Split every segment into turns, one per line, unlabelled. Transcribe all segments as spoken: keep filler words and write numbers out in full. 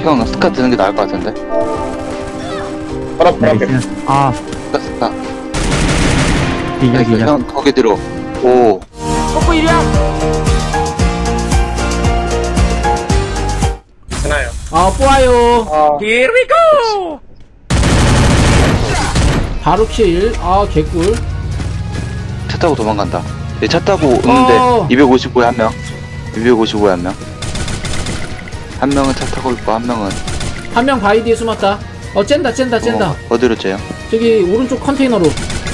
형 스카 드는 게 나을 것 같은데.
바로 앞에.
아,
스카 스카.
기절,
나이스.
기절.
형 거기 들어. 오.
뽀뽀 일이야.
되나요?
아 뽀아요.
아,
Here we go. 바로 킬. 아 개꿀.
차 타고 도망간다. 얘 차 타고 오는데
어.
이백오십구에 한 명. 이백오십구에 한 명. 한 명은 차 타고 있고 한 명은
한 명 바위 뒤에 숨었다. 어 쨘다 쨘다 쨘다.
어, 어디로 째요?
저기 오른쪽 컨테이너로.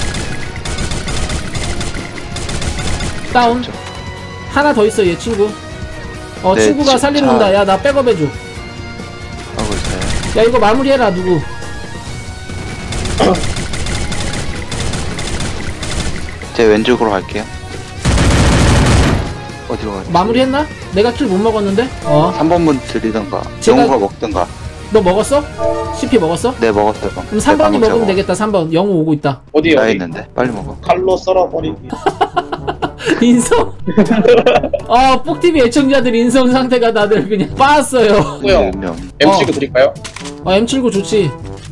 다운.
그렇죠.
하나 더 있어 얘 친구. 어
네,
친구가
차-
살리러 온다. 야 나 백업 해줘.
하고 있어요.
야 이거 마무리해라 누구.
제 왼쪽으로 갈게요. 어디로 가요?
마무리했나? 내가 킬 못 먹었는데? 어.
삼 번분 드리던가
제가-
영우가 먹던가.
너 먹었어? 씨피 먹었어?
네 먹었어요.
그럼 삼 번이 먹으면 되겠다. 삼 번. 영우 오고 있다.
어디,
나
어디?
있는데 빨리 먹어.
칼로 썰어버리기.
인성? 아, 뽁티비 애청자들 인성 상태가 다들 그냥 빠았어요.
뭐요?
네, 명.
엠씨구 드릴까요?
아, 엠 칠십구 좋지.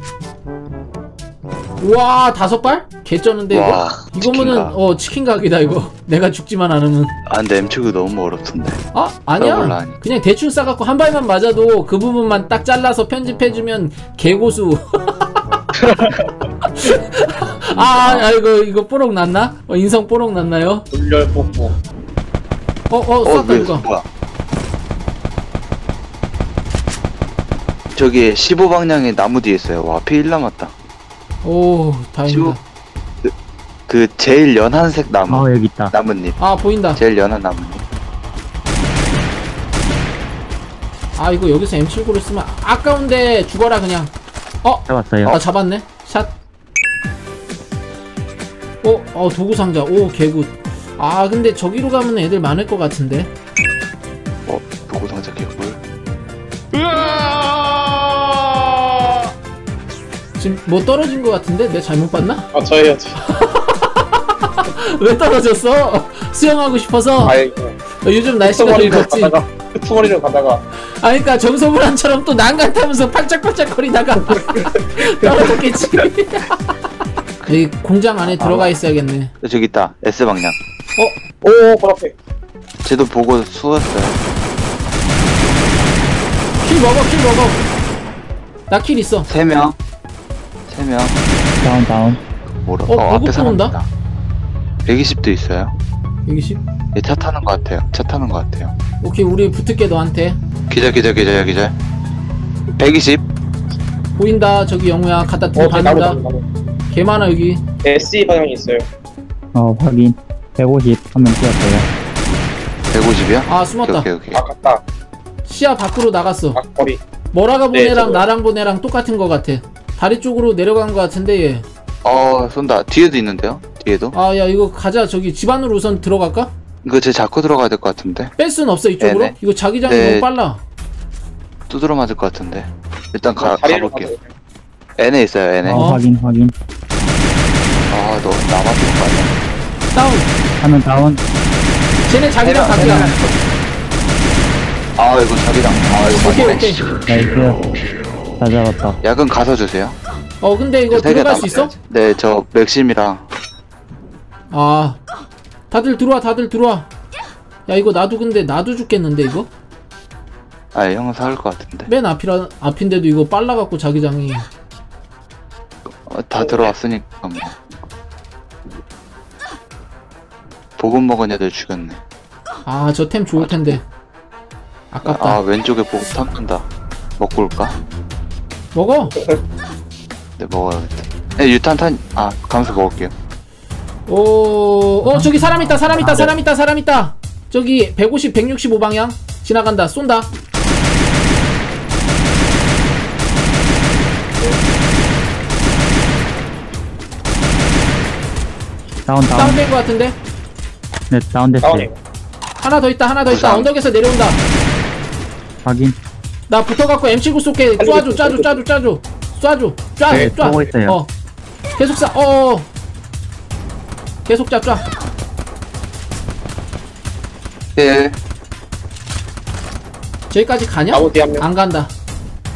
우와, 다섯 발? 개쩌는데, 이거?
와,
이거면은,
치킨각.
어, 치킨각이다, 이거. 내가 죽지만 않으면.
아 근데 엠치구 너무 어렵던데.
아, 아니야.
몰라, 아니.
그냥 대충 싸갖고 한 발만 맞아도 그 부분만 딱 잘라서 편집해주면 개고수. 아, 아이고, 이거 뽀록 났나? 어, 인성 뽀록 났나요?
물열 뽀뽀.
어, 어,
어,
쐈다,
왜,
이거.
뭐야? 저기 십오 방향에 나무 뒤에 있어요. 와, 피 일 남았다.
오, 다행이다.
그, 그 제일 연한색 나무.
어, 여기 있다.
나뭇잎.
아, 보인다.
제일 연한 나뭇잎.
아, 이거 여기서 엠 칠십구를 쓰면 아까운데 죽어라, 그냥. 어?
잡았어요.
아, 잡았네. 샷. 어, 어, 도구 상자. 오, 개굿. 아, 근데 저기로 가면 애들 많을 것 같은데.
어, 도구 상자 개꿀.
지금 뭐 떨어진 것 같은데? 내가 잘못 봤나?
아, 저예요, 저.
왜 떨어졌어? 수영하고 싶어서?
아이고.
어, 요즘 날씨가 좀
끄트머리로
덥지?
가다가, 끄트머리로 가다가.
아, 그니까 정소불안처럼 또 난간 타면서 팔짝팔짝거리다가 떨어졌겠지. 이 공장 안에 들어가 있어야겠네.
저기 있다. S 방향.
어?
오, 바로 앞에.
쟤도 보고 쏘았어요.
킬 먹어, 킬 먹어. 나 킬 있어.
세 명. 세 명.
다운, 다운.
뭐라?
어,
어, 앞에
보급
사람
온다?
있다. 백이십도 있어요.
백이십?
얘 차 타는 것 같아요. 차 타는 것 같아요.
오케이, 우리 붙을게, 너한테.
기절, 기절, 기절, 기절. 백이십.
보인다, 저기 영우야. 갖다
어,
두고
그 나무,
받는다.
나무, 나무.
개 많아, 여기.
에스이 방향이 있어요.
어, 확인. 백오십. 한 명 뛰었어요.
백오십이야?
아, 숨었다.
오케이, 오케이.
아, 갔다.
시야 밖으로 나갔어.
막거리.
머라가
네,
보내랑
저거.
나랑 보내랑 똑같은 것 같아. 다리 쪽으로 내려간 것 같은데, 얘.
어, 쏜다. 뒤에도 있는데요? 뒤에도?
아, 야, 이거 가자. 저기 집 안으로 우선 들어갈까?
이거 쟤 잡고 들어가야 될 것 같은데?
뺄 순 없어, 이쪽으로?
네네.
이거 자기장이
네.
너무 빨라.
두드러 맞을 것 같은데. 일단 가,
다리로
가볼게요.
가세요.
N에 있어요, N에.
어.
어, 확인, 확인.
아, 너 남았을 거 아니야.
다운.
한 명 다운.
쟤네 자기장
해라,
각이야.
아, 이거 자기장. 아, 이거
오케이,
맞네.
오케이.
나이스. 다 잡았다.
야근 가서 주세요.
어, 근데 이거
세개
들어갈 수 있어?
남았어야지. 네, 저 맥심이랑.
아, 다들 들어와, 다들 들어와. 야, 이거 나도 근데 나도 죽겠는데 이거?
아, 형은 사올 것 같은데.
맨 앞이라 앞인데도 이거 빨라갖고 자기장이.
어, 다 들어왔으니까 뭐. 보급 먹은 애들 죽였네.
아, 저 템 좋을 텐데. 아깝다.
아, 왼쪽에 보급 탐는다. 먹고 올까?
먹어.
네, 먹어야겠다. 네, 유탄 탄, 아, 감수 먹을게요.
오, 어, 저기 사람 있다, 사람 있다, 사람 있다, 사람 있다. 저기 백오십, 백육십오 방향 지나간다. 쏜다.
다운, 다운.
다운된 것 같은데.
네, 다운됐어요.
다운이에요.
하나 더 있다, 하나 더 있다.
부상.
언덕에서 내려온다.
확인.
나 붙어갖고 엠 칠십구 쏠게. 쏴줘, 쏴줘, 쏴줘, 쏴줘. 쏴줘, 쏴,
네,
쏴.
쏘고 있어요.
어, 계속 쏴. 어, 계속 쏴, 쏴.
예.
저기까지 가냐?
나무 뒤에 한 명.
안 간다.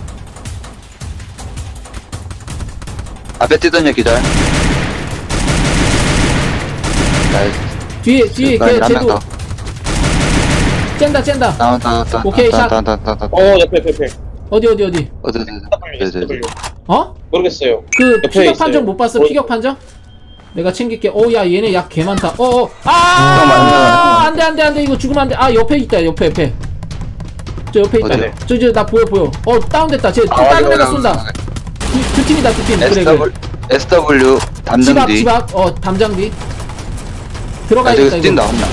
앞에 뛰던 얘 기절. 나이스.
뒤에 뒤에 걔
한명
쟤도
더.
쨘다 쨘다.
다운 다운 다운.
오케이, 샷.
다운 다운 다운 다운.
어 옆에 옆에 옆에.
어디 어디 어디?
어디 어디 어디 어디 어디.
어?
모르겠어요.
그
옆에
피격
있어요.
판정 못 봤어?
어.
피격 판정? 내가 챙길게. 오, 야, 얘네 약 개 많다. 어, 어.
형,
아!
맞네.
안 돼, 안 돼, 안 돼. 이거 죽으면 안 돼. 아, 옆에 있다, 옆에, 옆에. 저 옆에 있다.
어디요?
저, 저, 나 보여, 보여. 어, 다운됐다. 쟤, 또
아,
다른
이거
애가
이거
쏜다. 두, 두 팀이다, 두 팀. 그래, 그래.
에스더블유 에스더블유 담장
집 앞,
뒤.
집 앞. 어, 담장 뒤.
아
들어가야겠다,
저기 뛴다
이거.
한 명.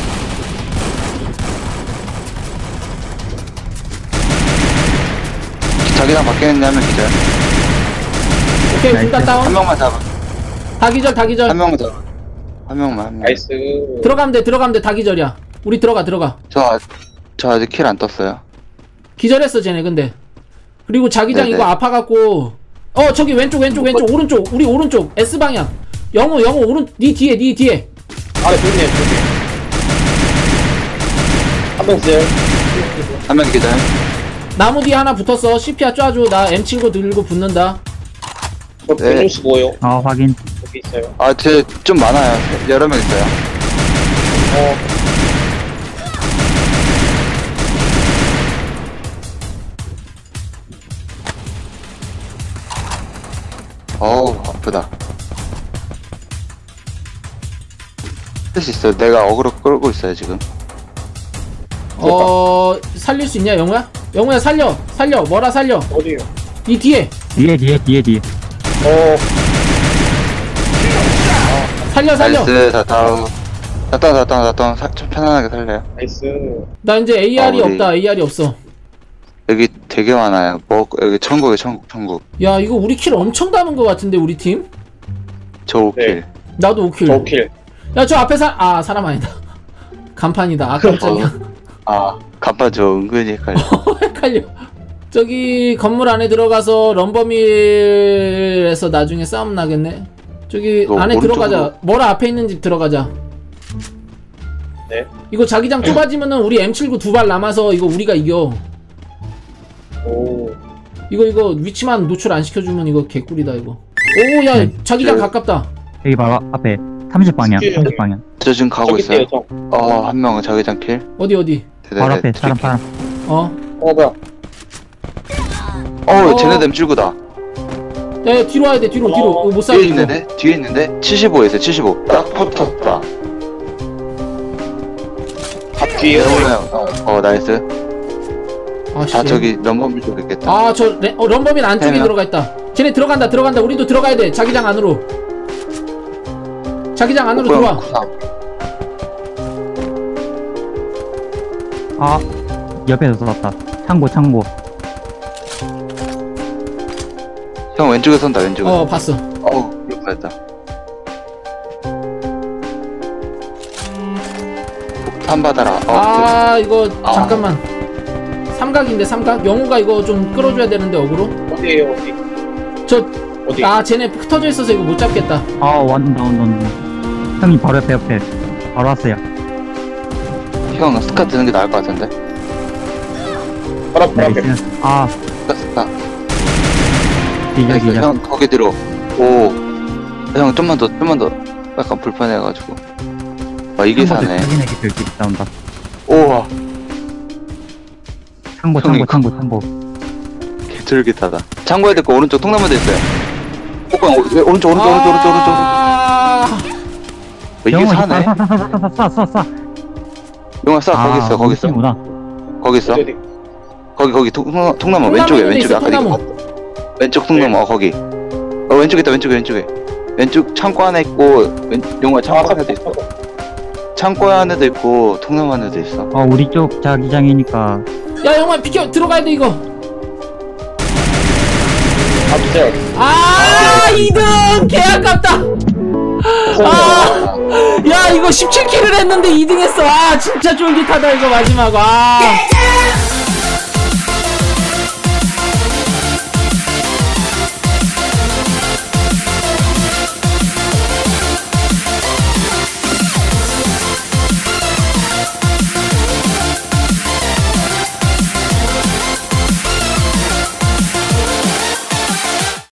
자기랑 바뀌었는데 한 명 기절.
오케이, 둘 다
나이스.
다운.
한 명만 잡아.
다 기절, 다 기절.
한 명만 잡아. 한 명만 한 명.
나이스.
들어가면 돼, 들어가면 돼. 다 기절이야. 우리 들어가, 들어가.
저, 아- 저 아직 킬 안 떴어요.
기절했어, 쟤네, 근데. 그리고 자기장
네네.
이거 아파갖고. 어, 저기 왼쪽, 왼쪽, 왼쪽, 오른쪽. 우리 오른쪽. S방향. 영호, 영호, 오른, 니 뒤에, 니 뒤에.
아래 좋네 좋네. 한명 있어요.
한 명 기절.
나무 뒤에 하나 붙었어. 씨피아 쏴줘. 나 엠 친구 들고 붙는다.
저
네.
백육십오요.
어, 확인.
여기 있어요.
아, 쟤 좀 많아요. 여러 명 있어요.
어.
어우, 아프다. 할 수 있어. 내가 어그로 끌고 있어요, 지금.
어, 살릴 수 있냐, 영호야? 영호야, 살려. 살려. 뭐라 살려.
어디요?
니 뒤에.
뒤에, 뒤에, 뒤에, 뒤에.
어.
살려, 살려.
나이스, 다 다운. 다 다운, 다 다운, 다 다운. 사- 좀 편안하게 살려요.
나이스.
나 이제 에이알이
아, 우리-
없다. 에이알이 없어.
여기 되게 많아요. 뭐, 여기 천국에 천국, 천국.
야, 이거 우리 킬 엄청 담은 것 같은데, 우리 팀?
저 오 킬.
네.
나도 오 킬.
저 킬.
야, 저 앞에 사, 아, 사람 아니다. 간판이다. 아, 깜짝이야.
아, 간판 저 은근히 헷갈려.
헷갈려. 저기 건물 안에 들어가서 럼버밀에서 나중에 싸움 나겠네. 저기
이거
안에
오른쪽으로.
들어가자. 뭐라 앞에 있는 집 들어가자.
네.
이거 자기장 좁아지면은 우리 엠 칠구 두 발 남아서 이거 우리가 이겨.
오.
이거 이거 위치만 노출 안 시켜주면 이거 개꿀이다 이거. 오, 야,
네.
자기장
저-
가깝다.
여기 바로 앞에. 삼십 방향,
뒤에
삼십 방향.
저 지금 가고
저기
있어요.
있어요, 저.
어, 한 명은 자기장 킬.
어디 어디?
바로 앞에, 사람, 사람.
어.
어 뭐야?
어,
어.
쟤네들 엠 칠구다.
야, 야, 뒤로 와야 돼. 뒤로 뒤로.
어,
이거 못
뒤에
살려 이거.
있는데? 뒤에 있는데? 칠십오에 있어요, 칠십오. 딱 붙었다.
밥 뒤에.
어, 어, 나이스.
아, 씨.
다 저기 럼버밀 쪽에 있겠다.
아, 저 레, 어, 럼버민 안쪽에
해요.
들어가 있다. 쟤네 들어간다. 들어간다. 우리도 들어가야 돼. 자기장 안으로. 자기장 안으로 들어와.
아, 옆에서 쐈다. 창고, 창고.
형 왼쪽에 선다, 왼쪽에.
어, 봤어.
어우, 이거 했다. 폭탄 받아라. 어,
아, 이거
아.
잠깐만. 삼각인데 삼각. 영우가 이거 좀 끌어줘야 되는데 어그로.
어디에요 어디?
저,
어디?
아, 쟤네 흩어져 있어서 이거 못 잡겠다.
아, 완다, 온다, 온다. 형이 바로 옆에, 옆에. 바로 왔어요.
형 스카 드는 게 나을 것 같은데.
바로 앞, 바로 앞에.
나이스. 아,
스카, 스카.
기절,
나이스.
기절.
형 거기 들어. 오. 형 좀만 더, 좀만 더. 약간 불편해가지고. 아, 이게 사네.
확인의 기절 기 나온다.
우와.
창고,
형이
창고, 창고, 창고.
개쫄깃하다. 참고해야 될 거 오른쪽 통나무도 있어요. 오빠, 오, 왼- 오른쪽, 오른쪽, 오른쪽, 오른쪽, 오른쪽.
아,
어, 이게 사네.
쏴, 쏴, 쏴, 쏴, 쏴, 쏴, 쏴.
용아 쏴, 거기 있어, 거기 있어.
구나.
거기 있어.
어디 어디?
거기, 거기, 통, 통나무,
통나무
왼쪽에,
있는 데
왼쪽에.
있어,
아까 이거.
통나무.
왼쪽 통나무, 어, 거기. 어, 왼쪽에 있다, 왼쪽에, 왼쪽에. 왼쪽 창고 안에 있고, 왼, 용아
아,
창고 안에도 있어. 창고 안에도 있고, 통나무 안에도 있어.
어, 우리 쪽 자기장이니까.
야, 영우야 비켜. 들어가야 돼 이거.
아 진짜.
아, 이 등 개 아깝다. 아, 야, 이거 십칠 킬을 했는데 이 등 했어. 아, 진짜 쫄깃하다 이거 마지막. 아.